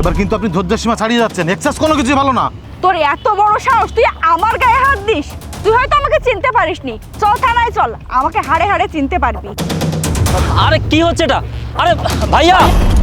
এবার কিন্তু আপনি ধৈর্যের সীমা ছাড়িয়ে যাচ্ছেন। এক্সেস কোনো কিছু ভালো না। তোর এত বড় সাহস, তুই আমার গায়ে হাত দিস? তুই হয়তো আমাকে চিনতে পারিসনি। চল থানায় চল, আমাকে হাড়ে হাড়ে চিনতে পারবি। আরে কি হচ্ছে এটা? আরে ভাইয়া,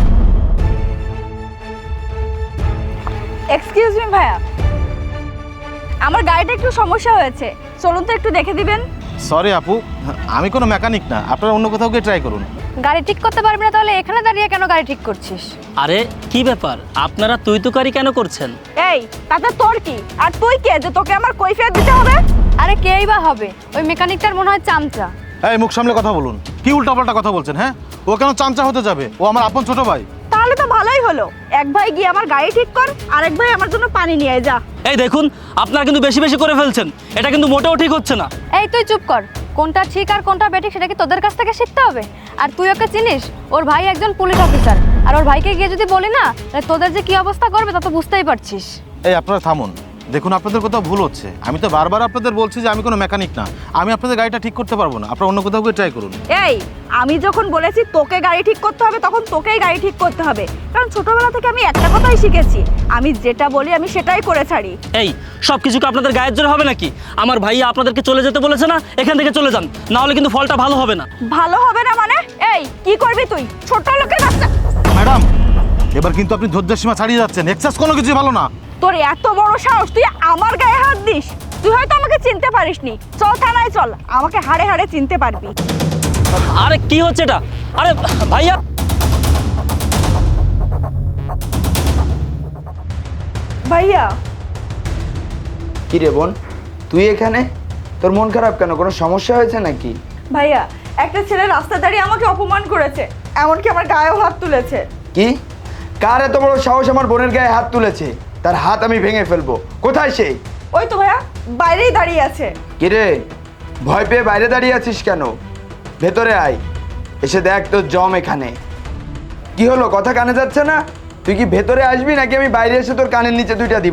এক্সকিউজ মি ভাইয়া, আমার গাড়িটা একটু সমস্যা হয়েছে, চলুন তো একটু দেখে দিবেন। সরি আপু, আমি কোনো মেকানিক না, আপনারা অন্য কোথাও গিয়ে ট্রাই করুন। গাড়ি ঠিক করতে পারবি না তাহলে এখানে দাঁড়িয়ে কেন গাড়ি ঠিক করছিস? আরে কি ব্যাপার, আপনারা তুই তুকারি কেন করছেন? এই তাতে তোর কি? আর তুই কে যে তোকে আমার কৈফিয়ত দিতে হবে? আরে কেই বা হবে, ওই মেকানিকটার মনে হয় চামচা। এই মুখ সামলে কথা বলুন। কি উল্টাপাল্টা কথা বলছেন? হ্যাঁ, ও কেন চামচা হতে যাবে? ও আমার আপন ছোট ভাই। তাহলে তো ভালোই হলো, এক ভাই গিয়ে আমার গাড়ি ঠিক কর, আরেক ভাই আমার জন্য পানি নিয়ে যা। এই দেখুন, আপনারা কিন্তু বেশি বেশি করে ফেলছেন, এটা কিন্তু মোটেও ঠিক হচ্ছে না। এই তুই চুপ কর, কোনটা ঠিক আর কোনটা বেঠিক সেটা কি তোদের কাছ থেকে শিখতে হবে? আর তুই ওকে চিনিস? ওর ভাই একজন পুলিশ অফিসার, আর ওর ভাইকে গিয়ে যদি বলি না তাহলে তোদের যে কি অবস্থা করবে তা তো বুঝতেই পারছিস। এই আপনারা থামুন, দেখুন আপনাদের কোথাও ভুল হচ্ছে। আমি তো বারবার আপনাদের বলছি যে আমি কোনো মেকানিক না, আমি আপনাদের গাড়িটা ঠিক করতে পারবো না। আপনারা অন্য কোথাও গিয়ে ট্রাই করুন। এই আমি যখন বলেছি তোকে গাড়ি ঠিক করতে হবে, তখন তোকেই গাড়ি ঠিক করতে হবে, কারণ ছোটবেলা থেকে আমি একটা কথাই শিখেছি, আমি যেটা বলি আমি সেটাই করে ছাড়ি। এই সব কিছু কি আপনাদের গায়ের জোরে হবে নাকি? আমার ভাইয়া আপনাদেরকে চলে যেতে বলেছে না, এখান থেকে চলে যান, না হলে কিন্তু ফলটা ভালো হবে না। ভালো হবে না মানে? এই কি করবি তুই? ছোট লোকের বাচ্চা। ম্যাডাম, এবার কিন্তু আপনি ধৈর্যের সীমা ছাড়িয়ে যাচ্ছেন। এক্সেস কোনো কিছু ভালো না। তোর এত বড় সাহস, তুই আমার গায়ে হাত দিস? তুই হয়তো আমাকে চিনতে পারিসনি। চল থানায় চল, আমাকে হাড়ে হাড়ে চিনতে পারবি। আরে কি হচ্ছে এটা? আরে ভাইয়া, ভাইয়া। কি রে বোন, তুই এখানে? তোর মন খারাপ কেন? কোনো সমস্যা হয়েছে নাকি? ভাইয়া, একটা ছেলে রাস্তা দাঁড়িয়ে আমাকে অপমান করেছে, এমনকি আমার গায়েও হাত তুলেছে। কি? কার এত বড় সাহস আমার বোনের গায়ে হাত তুলেছে? তার হাত আমি ভেঙে ফেলবো। কোথায় সে? ওই তো ভাইয়া, বাইরেই দাঁড়িয়ে আছে। কি রে, ভয় পেয়ে বাইরে দাঁড়িয়ে আছিস কেন? ভেতরে আয়, এসে দেখ তোর জম এখানে। কি হলো, কথা কানে যাচ্ছে না? তুই কি ভেতরে আসবি নাকি আমি বাইরে এসে তোর কানের নিচে দুইটা দিব?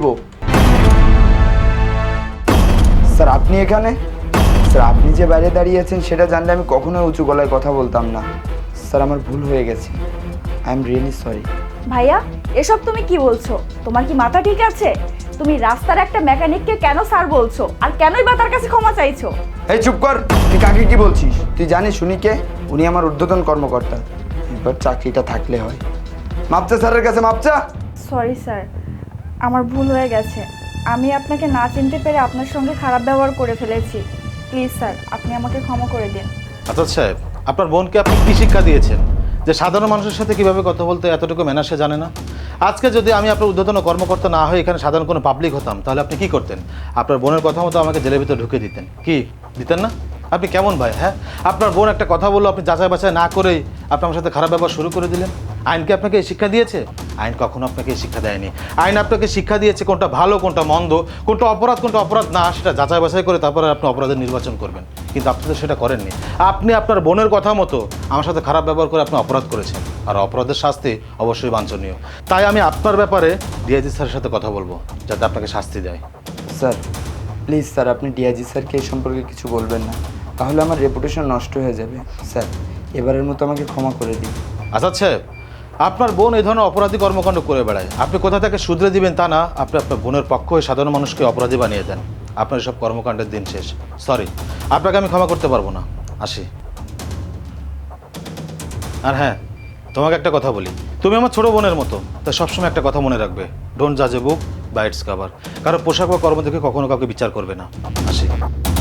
স্যার আপনি এখানে? স্যার আপনি যে বাইরে দাঁড়িয়ে আছেন সেটা জানলে আমি কখনোই উঁচু গলায় কথা বলতাম না। স্যার আমার ভুল হয়ে গেছে, আই এম রিয়েলি সরি। ভাইয়া, এসব তুমি কি বলছো? তোমার কি মাথা ঠিক আছে? তুমি রাস্তার একটা মেকানিককে কেন স্যার বলছো, আর কেনই বা তার কাছে ক্ষমা চাইছো? এই চুপ কর, তুই কাকে কি বলছিস? তুই জানিস উনি কে? উনি আমার ঊর্ধ্বতন কর্মকর্তা। এবার চাকরিটা থাকলে হয়। মাপচা স্যারের কাছে মাপচা। সরি স্যার, আমার ভুল হয়ে গেছে। আমি আপনাকে না চিনতে পেরে আপনার সঙ্গে খারাপ ব্যবহার করে ফেলেছি। প্লিজ স্যার, আপনি আমাকে ক্ষমা করে দিন। আচ্ছা সাহেব, আপনার বোনকে আপনি কি শিক্ষা দিয়েছেন যে সাধারণ মানুষের সাথে কিভাবে কথা বলতে এতটুকু ম্যানার সে জানে না? আজকে যদি আমি আপনার ঊর্ধ্বতন কর্মকর্তা না হয়ে এখানে সাধারণ কোনো পাবলিক হতাম, তাহলে আপনি কি করতেন? আপনার বোনের কথা মতো আমাকে জেলের ভিতরে ঢুকে দিতেন। কি দিতেন না? আপনি কেমন ভাই? হ্যাঁ, আপনার বোন একটা কথা বললো, আপনি যাচাই বাছাই না করেই আপনি আমার সাথে খারাপ ব্যবহার শুরু করে দিলেন। আইন কি আপনাকে এই শিক্ষা দিয়েছে? আইন কখনো আপনাকে এই শিক্ষা দেয়নি। আইন আপনাকে শিক্ষা দিয়েছে কোনটা ভালো, কোনটা মন্দ, কোনটা অপরাধ না, সেটা যাচাই বাছাই করে তারপরে আপনি অপরাধের নির্বাচন করবেন। কিন্তু আপনি তো সেটা করেননি। আপনি আপনার বোনের কথা মতো আমার সাথে খারাপ ব্যবহার করে আপনি অপরাধ করেছেন, আর অপরাধের শাস্তি অবশ্যই বাঞ্ছনীয়। তাই আমি আপনার ব্যাপারে ডিআইজি স্যারের সাথে কথা বলবো, যাতে আপনাকে শাস্তি দেয়। স্যার প্লিজ স্যার, আপনি ডিআইজি স্যারকে এই সম্পর্কে কিছু বলবেন না, তাহলে আমার রেপুটেশন নষ্ট হয়ে যাবে। স্যার এবারের মতো আমাকে ক্ষমা করে দিন। আচ্ছা সাহেব, আপনার বোন এই ধরনের অপরাধী কর্মকাণ্ড করে বেড়ায়, আপনি কোথা থেকে শুধরে দিবেন তা না, আপনি আপনার বোনের পক্ষ হয়ে সাধারণ মানুষকে অপরাধী বানিয়ে দেন। আপনার সব কর্মকাণ্ডের দিন শেষ। সরি, আপনাকে আমি ক্ষমা করতে পারবো না। আসি। আর হ্যাঁ, তোমাকে একটা কথা বলি, তুমি আমার ছোট বোনের মতো, তা সবসময় একটা কথা মনে রাখবে, ডোন্ট জাজ a book by its cover. কারো পোশাক বা কর্ম দেখে কখনো কাউকে বিচার করবে না। আসি।